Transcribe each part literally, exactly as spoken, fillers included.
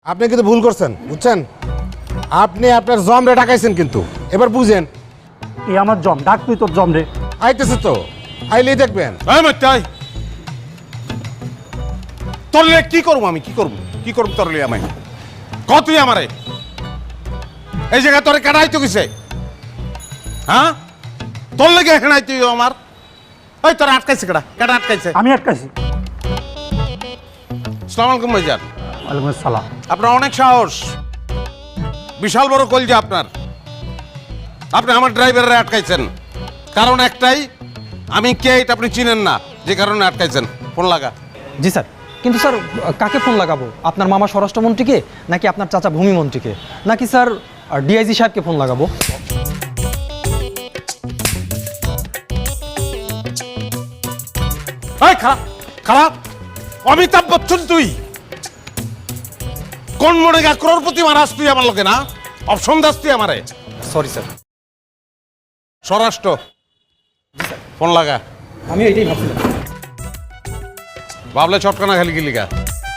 আপনি কিন্তু ভুল করছেন, বুঝছেন? আপনি আপনার জম রে ডাকাইছেন কিন্তু, এবার বুঝেন। এই আমার জম, ডাক তুই তোর জম রে। আইতেছে তো, আইলেই দেখবেন। তোরলে কি করবো আমি, কি করবো কি করবো তোরলে আমি ক তুই আমারে এই জায়গায় তোরে কাটাইতো কিসে? হ্যাঁ, তোর লেগে এখানে তুই আমার ওই তোর আটকাইছে কেডা কেডা আটকাইছে? আমি আটকাইছি। আসসালামু আলাইকুম ভাইজান। ওয়ালাইকুম আসসালাম। আপনার অনেক সাহস, বিশাল বড় কলজা আপনার। আপনি আমার ড্রাইভাররা আটকাইছেন, কারণ একটাই, আমি কে এটা আপনি চিনেন না, যে কারণে আটকাইছেন। ফোন লাগা। জি স্যার, কিন্তু স্যার কাকে ফোন লাগাবো? আপনার মামা স্বরাষ্ট্রমন্ত্রীকে, নাকি আপনার চাচা ভূমিমন্ত্রীকে, নাকি স্যার ডিআইজি সাহেবকে ফোন লাগাবো? এই খারাপ খারাপ অমিতাভ বচ্চন তুই কোন মনে গা ক্রোড়পতি মারাস তুই আমার লোকে না? অপশন দাস তুই আমারে? Sorry sir. স্বরাষ্ট্র ফোন লাগা। আমি এইটাই ভাবছিলাম। ভাবলে চটকানা খালি কি লিগা?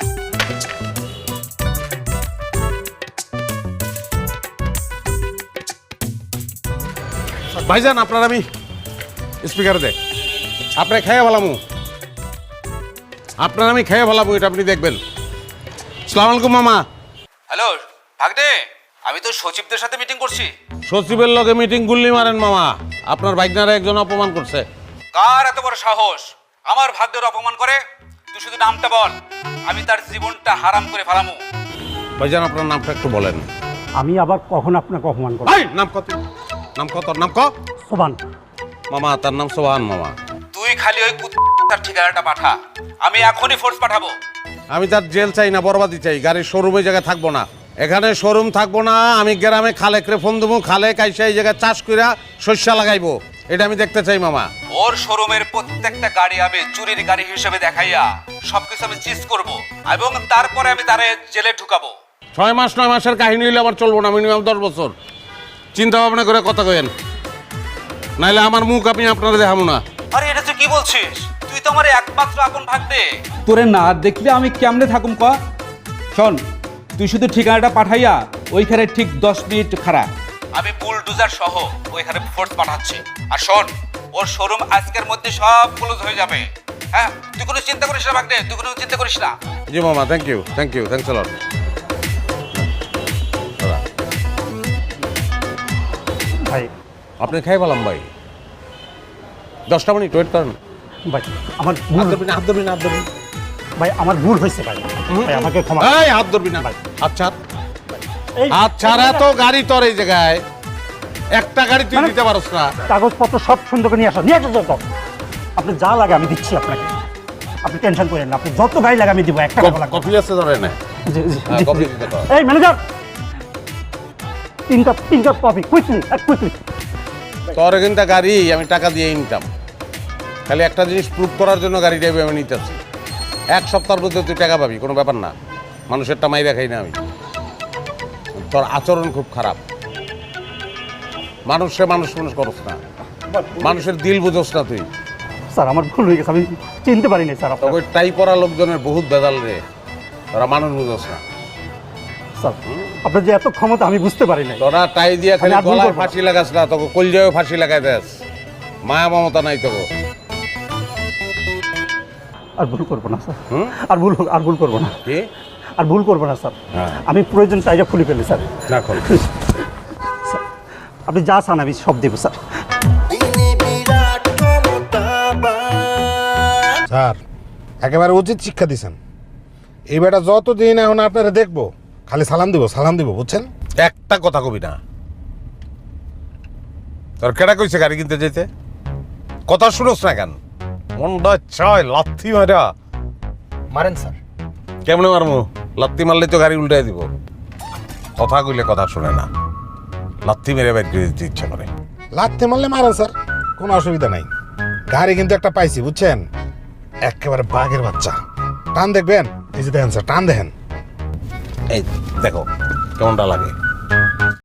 ভাইজান আপনার আমি স্পিকারে দেখ, আপনি খেয়ে ভালামু, আপনার আমি খেয়ে ভালামু, এটা আপনি দেখবেন। আসসালামু আলাইকুম মামা। হ্যালো ভাগদে, আমি তো সচিবদের সাথে মিটিং করছি। সচিবের লগে মিটিং গুল্লি মারেন মামা, আপনার বাইকনারে একজন অপমান করছে। কার এত বড় সাহস আমার ভাগ্যের অপমান করে? তুই শুধু নামটা বল, আমি তার জীবনটা হারাম করে ফেলামু। ভাইজান আপনার নামটা একটু বলেন। আমি আবার কখন আপনাকে অপমান করব? এই নাম কত, নাম কত, নাম ক সোবান। মামা, তার নাম সোহান মামা। তুই খালি ওই তার ঠিকানাটা পাঠা, আমি এখনই ফোর্স পাঠাবো। আমি তার জেল চাই না, বরবাদি চাই। গাড়ির শোরুমে জায়গায় থাকবো না, এখানে শোরুম থাকবো না। আমি গ্রামে খালেকরে ফোন দেবো, খালে কাইসা এই জায়গায় চাষ কইরা শস্য লাগাইবো, এটা আমি দেখতে চাই মামা। ওর শোরুমের প্রত্যেকটা গাড়ি আমি চুরির গাড়ি হিসেবে দেখাইয়া সবকিছু আমি চিজ করব, এবং তারপরে আমি তারে জেলে ঢুকাবো। ছয় মাস নয় মাসের কাহিনী হইলে আবার চলবো না, মিনিমাম দশ বছর চিন্তা ভাবনা করে কথা কয়েন, নাইলে আমার মুখ আমি আপনারা দেখাবো না। আরে এটা তুই কি বলছিস? তুই তো আমার একমাত্র আপন ভাগ্নে। তোরে না দেখলে আমি কেমনে থাকুম ক? শোন, তুই শুধু ঠিকানাটা পাঠাইয়া ওইখানে ঠিক দশ মিনিট খাড়া। আমি বুলডোজার সহ ওইখানে ফোর্স পাঠাচ্ছি। আর শোন, ওর শোরুম আজকের মধ্যে সব ক্লোজ হয়ে যাবে। হ্যাঁ, তুই কোনো চিন্তা করিস না ভাগ্নে, তুই কোনো চিন্তা করিস না। জি মামা, thank you thank you thanks a lot. ভাই আপনি খাই পেলাম ভাই, দশটা মিনিট ওয়েট করেন ভাই, আমার হাত ভুল। ধরবি না, হাত ধরবি না, হাত ধরবি না। ভাই আমার ভুল হয়েছে ভাই, ভাই আমাকে ক্ষমা। এই হাত ধরবি না ভাই, আচ্ছা এই আচ্ছা, এত গাড়ি তোর এই জায়গায়, একটা গাড়ি তুই দিতে পারস না? কাগজপত্র সব সুন্দর করে নিয়ে আসো, নিয়ে আসো যত। আপনি যা লাগে আমি দিচ্ছি আপনাকে, আপনি টেনশন করেন না। আপনি যত গাড়ি লাগে আমি দিব, একটা টাকা লাগবে না। কফি আছে ধরে না? জি, জি, হ্যাঁ, জি, কফি জি। দিতে পারো। এই ম্যানেজার, তিন কাপ তিন কাপ কফি, কুইকলি কুইকলি। তোর কিন্তু গাড়ি আমি টাকা দিয়ে নিতাম, খালি একটা জিনিস প্রুভ করার জন্য গাড়িটা আমি নিতেছি। এক সপ্তাহের মধ্যে তুই টাকা পাবি, কোনো ব্যাপার না। মানুষেরটা মাইরা খাই না আমি। তোর আচরণ খুব খারাপ, মানুষে মানুষ মানুষ করস না, মানুষের দিল বুঝোস না তুই। স্যার আমার ভুল হয়ে গেছে, আমি চিনতে পারিনি স্যার আপনার। ওই টাই পরা লোকজনের বহুত বেদাল রে, তোরা মানুষ বুঝোস না। স্যার আপনার যে এত ক্ষমতা আমি বুঝতে পারি নাই। তোরা টাই দিয়া খালি আমি আর ভুল গলায় করবো না। ফাঁসি লাগাস না, তোকে কলজায়ও ফাঁসি লাগাই দেস। মায়া মমতা নাই তোকে। আর ভুল করবো না স্যার, হুম? আর ভুল আর ভুল করবো না, কি আর ভুল করবো না স্যার। হ্যাঁ। আমি প্রয়োজন টাইটা খুলে ফেলি স্যার। না কর। স্যার, আপনি যা চান আমি সব দেবো স্যার। স্যার একেবারে উচিত শিক্ষা দিছেন। এই বেটা যতদিন এখন আপনারা দেখবো, খালি সালাম দিব সালাম দিব, বুঝছেন? একটা কথা কবি না। তোর কেডা কইছে গাড়ি কিনতে যেতে? কথা শুনোস না কেন? মনটা ছয় লাথি মারা। মারেন স্যার। কেমনে মারমু? লাত্তি মারলে তো গাড়ি উল্টাই দিব। কথা কইলে কথা শুনে না, লাত্তি মেরে বাইর করে দিতে ইচ্ছা করে। লাথি মারলে মারেন স্যার, কোনো অসুবিধা নাই। গাড়ি কিন্তু একটা পাইছি, বুঝছেন? একেবারে বাঘের বাচ্চা। টান দেখবেন, এই যে দেখেন স্যার, টান দেখেন। এই দেখো কেমনটা লাগে।